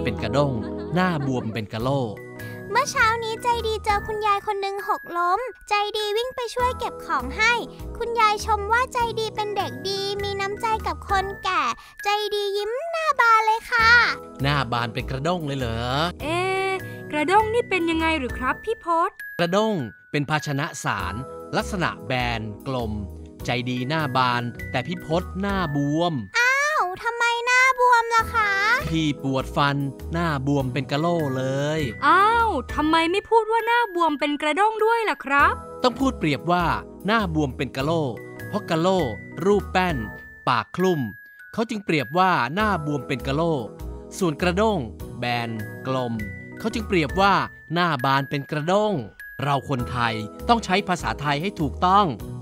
เป็นกระด้งหน้าบวมเป็นกะโหลเมื่อเช้านี้ใจดีเจอคุณยายคนหนึ่งหกล้มใจดีวิ่งไปช่วยเก็บของให้คุณยายชมว่าใจดีเป็นเด็กดีมีน้ำใจกับคนแก่ใจดียิ้มหน้าบานเลยค่ะหน้าบานเป็นกระด้งเลยเหรกระด้งนี่เป็นยังไงหรือครับพี่พศกระด้งเป็นภาชนะสารลักษณะแบนกลมใจดีหน้าบานแต่พี่พศหน้าบวมทำไมหน้าบวมล่ะคะพี่ปวดฟันหน้าบวมเป็นกะโหลเลยทำไมไม่พูดว่าหน้าบวมเป็นกระด้งด้วยล่ะครับต้องพูดเปรียบว่าหน้าบวมเป็นกะโหลเพราะกะโหลรูปแป้นปากคลุ่มเขาจึงเปรียบว่าหน้าบวมเป็นกะโหลส่วนกระด้งแบนกลมเขาจึงเปรียบว่าหน้าบานเป็นกระด้งเราคนไทยต้องใช้ภาษาไทยให้ถูกต้อง